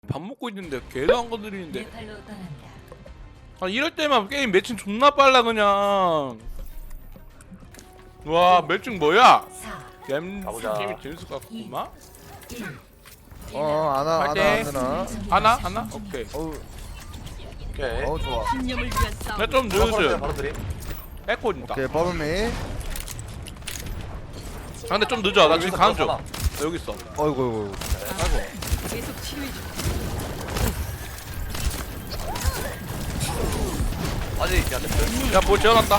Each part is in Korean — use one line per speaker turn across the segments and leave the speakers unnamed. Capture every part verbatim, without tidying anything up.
밥 먹고 있는데 걔도 안 건드리는데. 아 이럴 때만 게임 매칭 존나 빨라 그냥. 와 매칭 뭐야? 게임 게임이 재밌을 것 같구만.
어 아나 아나
파이팅.
아나
하나 하나 오케이.
어우
오케이.
어우 좋아.
나좀
바로
늦었어.
드림, 바로 드림.
에코 있다.
오케이 버블미.
아 근데 좀 늦어. 나 지금 가는 중. 나 여기 있어.
어이구 어이구.
계속 치료해 줘.
아직 안 됐어.
야뭐 재워놨다.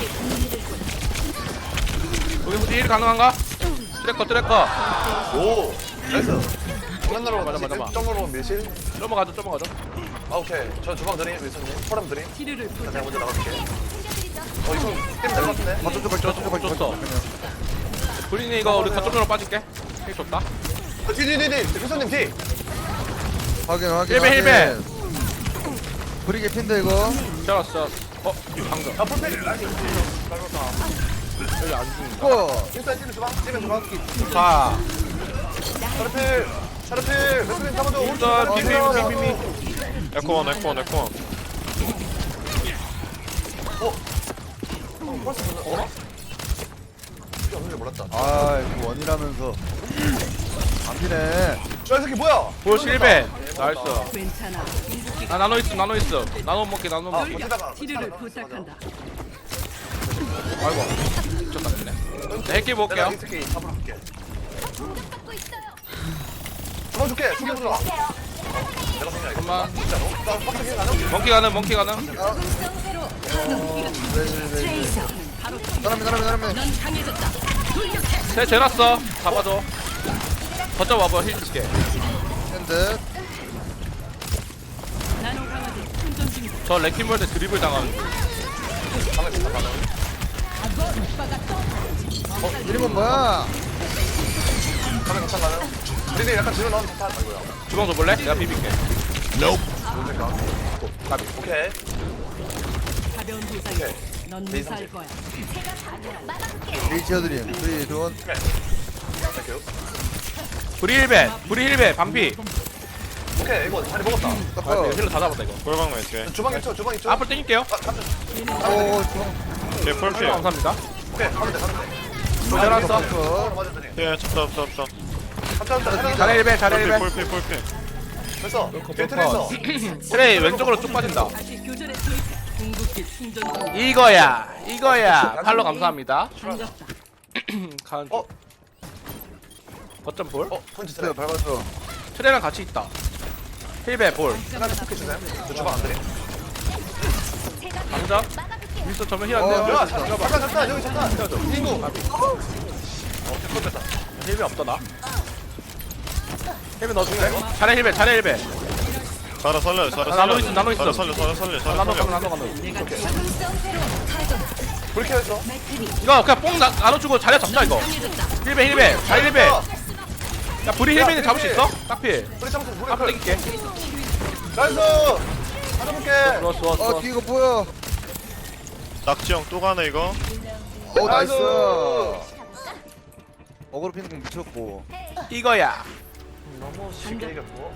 여기 혹시 일 가능한가? 트래커 트래커.
오, 나이스. 장난으로
맞아, 맞아, 맞아.
점으로 밀실.
넘어가죠 넘어가죠.
아 오케이. 저 주방 드림, 윌슨님. 포럼 드림.
치료를
자,
부탁.
내가 먼저 나갈게. 어 이거 게임 될것 같은데.
맞춰줘 맞춰줘
줬어,
맞춰줘.
줬어. 브린이 이거 우리 거점으로 빠질게. 핵 좋다.
어, 뒤, 뒤, 뒤, 뒤. 윌슨님 뒤.
확인 확인.
힐베, 힐베.
확인. 브리게 핀데 이거.
재웠어. 어 방금.
아 풀필.
여기 안 죽는다.
고.
윌슨 찌는 주방, 찌는 주방.
자.
샤르필, 샤르필. 윌슨님 잡아줘. 오른쪽.
일단
샤르필.
빅빅빅빅빅.
에코원 에코원 에코원
어, 벌써 보는. 어? 이게 없는 줄 몰랐다.
아 이거 원이라면서. 안 피네.
야, 이 새끼 뭐야?
볼 실베. 나이스.
괜찮아.
아 나노 있어 나노 있어. 나노 먹게 나노
아,
먹게.
버티다가.
치료를
버티다가.
부탁한다.
아이고. 미쳤다 그네. 자 핵기 볼게요.
내가 이 새끼 잡으러 갈게. 잡아줄게. 죽여 들어. 내가 생각해.
잠깐만.
진짜로? 나 빡세게 가능?
멍키 가는 멍키 가는.
네네네. 사람이 사람이 사람이.
넌 강해졌다.
쟤 재놨어. 잡아줘. 거점 와봐 힐 줄게.
핸드.
나노 강화제 충전 중이다.
저 레킹볼 때 드리블 당하는 중.
가면 진짜 가능.
이름은 뭐야?
가면 괜찮 가능? 우리들 약간 뒤로 나오면 좋다. 아이고야.
주방 줘볼래? 내가 비빌게.
뭔 생각? 가비. 오케이.
가벼운 부상이야. 넌 무사할 거야.
리치어드림. 프리 돈.
땡큐.
브리 힐베. 브리 힐베. 반피.
오케이 이거 자리 먹었다.
아,
닦아.
힐러 다 잡았다 이거.
꿀방 매치
주방 있죠 주방 있죠.
앞으로 땡길게요.
아 가면.
오 좋아.
뒤에 폴피
감사합니다.
오케이 가면 돼 가면 돼.
재놨어.
닦아.
맞아 드림.
뒤에 찹찹 찹찹
갑자기 갑자기.
자네 힐베. 자네
폴피
힐베.
폴피 폴피
됐어. 뒤에 트레 있어.
트레이 왼쪽으로 쭉 빠진다.
다시 교전에 투입해. 궁극기 충전 중.
이거야. 이거야. 팔로 감사합니다.
반갑다.
가는 중.
어?
거점 볼.
어 펀치
트레
트레.
밟았어.
트레랑 같이 있다. 힐베 볼.
하나를 톡해 주세요. 저 주방 안 드림.
당장. 윈스턴 전면 힐
어,
안 돼요.
야 잠깐 잠깐 잠깐 여기 잠깐.
힐줘. 힐고.
어 됐다.
힐베 없다 나. 힐베 넣어줄게. 자네 힐베. 자네 힐베.
자라 살려 자라
아,
살려
나노 있음, 나노 있음.
자라 살려 자라 살려 자라
나노
살려
가면 나노 가면.
불쾌 했어.
이거 그냥 뽕 나, 나눠주고 자리 잡자 이거. 힐베 힐베. 자리 힐베. 야 브리 힐베는 잡을 수 있어? 딱필.
우리 참고 우리
앞으로
클.
땡길게.
나이스. 가져볼게.
좋아 좋아
어
좋아.
뒤 이거 뭐야?
낙지형 또 가네 이거
오 나이스.
나이스.
어그로 피는 거 미쳤고.
이거야.
너무 쉽게 이겼고.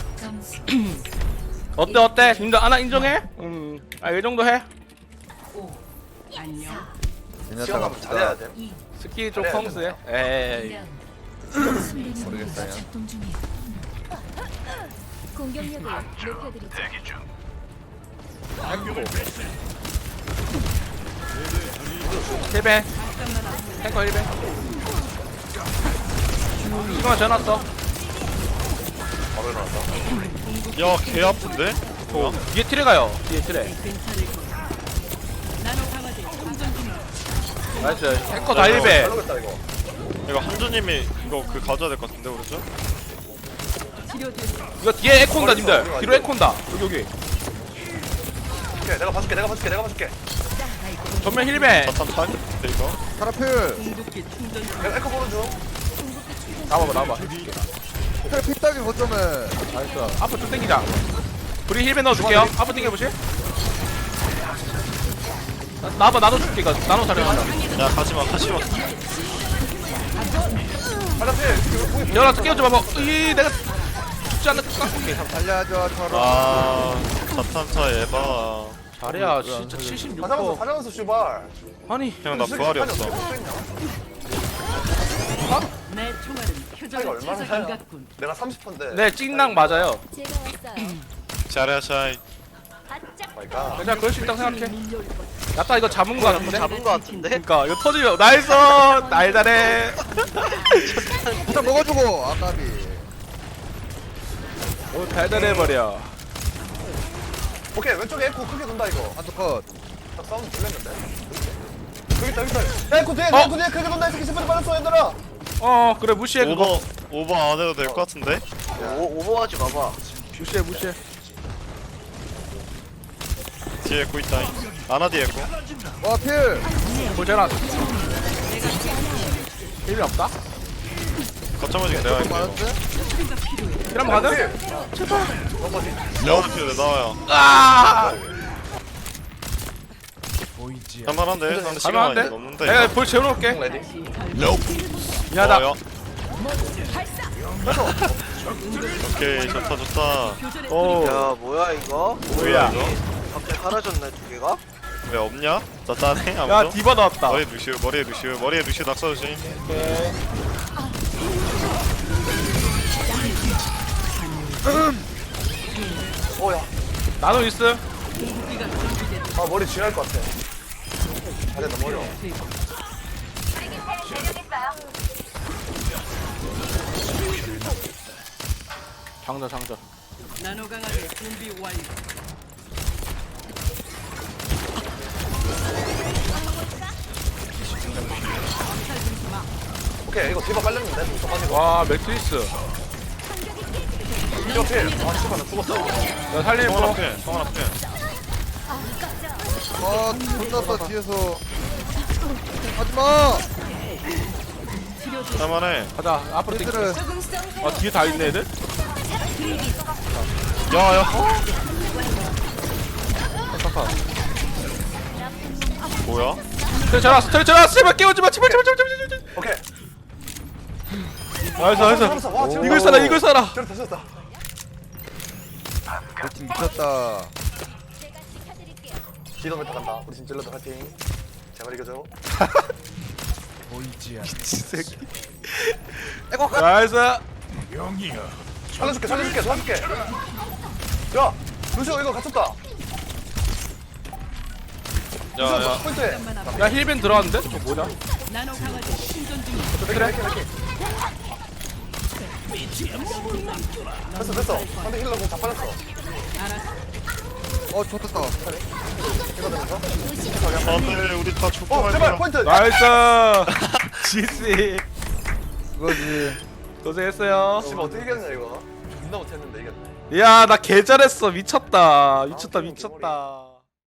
어때 어때? 인정 하나 인정해? 음. 아이 정도 해.
안녕.
제냐타
시간 잘해야
갑시다.
돼.
스키 좀
잘해야
펑스해. 에이.
모르겠어요.
작동 중이에요. 공격력을 높여드리죠.
힐베. 탱커 힐베. 시그마 전화왔어.
바로 일어났다.
야개 아픈데?
어. 뒤에 트레 가요. 뒤에 트레.
괜찮을 거야. 나노 강화제 충전 중이다.
나이스. 탱커 다 힐베.
잘 녹였다 이거.
이거 한주님이 이거 그 가져야 될 것 같은데 오른쪽?
치료됐어.
이거 뒤에 에코 온다 님들. 뒤로 에코 온다. 여기 여기.
오케이 내가 봐줄게 내가 봐줄게 내가 봐줄게.
전면 힐베.
자탄 타임인데 이거?
카라필.
궁극기 충전 중.
내가 에코 보는 중.
나와봐 나와봐.
트레 피딱이 거점에.
나이스. 앞으로 쭉 당기자. 우리 힐베 넣어줄게요. 앞으로 당겨보실? 나- 나와봐 나눠 줄게 이거. 나눠 잘해준다.
야 가지마 가지마
하나필.
열아 끼워줘 봐봐. 이 내가 죽지 않을까? 오케이
살려줘 저런.
아 자탄차 에바.
잘해야 진짜 칠십육
사장수
퍼
사장수 슈발.
아니
형 나 부활이 없어.
내 총알은
차이가
표적을
얼마나
찾아
차이야?
감갔군.
내가 삼십 퍼인데.
네 찡낭 맞아요
제가 왔어요.
잘해 샤이.
바짝
마이갓.
괜찮아 그럴 수 있다고 생각해 야따 이거 잡은 거 같은데?
잡은 거 같은데?
그니까 이거 터지면 나이스 날달해
일단 먹어주고 아까비.
오 달달해버려
오케이 왼쪽에 에코 크게 돈다 이거.
한쪽 컷.
딱 사운드 들렸는데. 여기 있다 여기 있다. 에코 뒤에
어?
에코 뒤에 크게 돈다 이 새끼 스프링 빠졌어 얘들아.
어 그래 무시해 그거
오버 오버 안 해도 될 것 같은데?
오, 오버하지 마봐.
무시해 무시해
뒤에 에코 있다. 아나 뒤에 에코.
와 필.
보잖아 힘이 없다?
거점을 지금 내가 이거.
맞았어?
이러면 가능?
나와도 필요해 나와요.
아
할만한데? 상대 시간
가능한데?
많이 넘는데.
내가 볼 재워놓을게
레디.
미안하다
좋아요. 오케이 좋다 좋다.
오
야, 뭐야 이거?
뭐야
갑자기 사라졌네 두 개가?
왜 없냐? 짜짜네
야
아무도?
디바 나왔다
머리에 루시우 머리에 루시우 머리에 루시우 낙서 조심.
오야.
나노 있음
아 머리 쥐날 것 같아. 아래 너무 어려워.
장자 장자
나노 강화제 준비 완료.
오케이 이거 디바 빨렸는데 무서 가지고.
와 매트리스
이거 필. 아 씨발 나 죽었어.
야 살리는
성원
거
앞에 성원 앞에.
아 혼났어 뒤에서. 하지마.
할만해.
가자 앞으로 땡겨
얘들을.
아 뒤에 다 있네 애들?
야야.
잠깐
뭐야?
스트레 전화 스트레 전화 제발 깨우지마 제발 제발 제발 제발 제발
오케이.
나이스 나이스
살았어. 와 지금
이걸 써라 이걸 써라
저렇다 저렇다.
우리 팀 미쳤다.
제가 지켜드릴게요.
기도 메타 간다. 우리 진질러도 파이팅. 제발 이겨줘.
나이스
살려줄게 살려줄게 도와줄게. 야 루시오 이거 갇혔다.
야야.
포인트에.
야 힐벤 들어왔는데? 저 뭐냐?
나노 강화제 충전 중이야.
그래 그래. 됐어 됐어. 상대 힐러 공다 빠졌어.
어 좋겠다.
이거 되면서.
안돼 우리 다 죽고
어
갈
제발
거야.
포인트.
나이스 지씨
그거지.
고생했어요
씨발 어떻게 이겼냐 이거. 존나 못했는데 이겼네.
이야 나 개 잘했어 미쳤다 미쳤다 미쳤다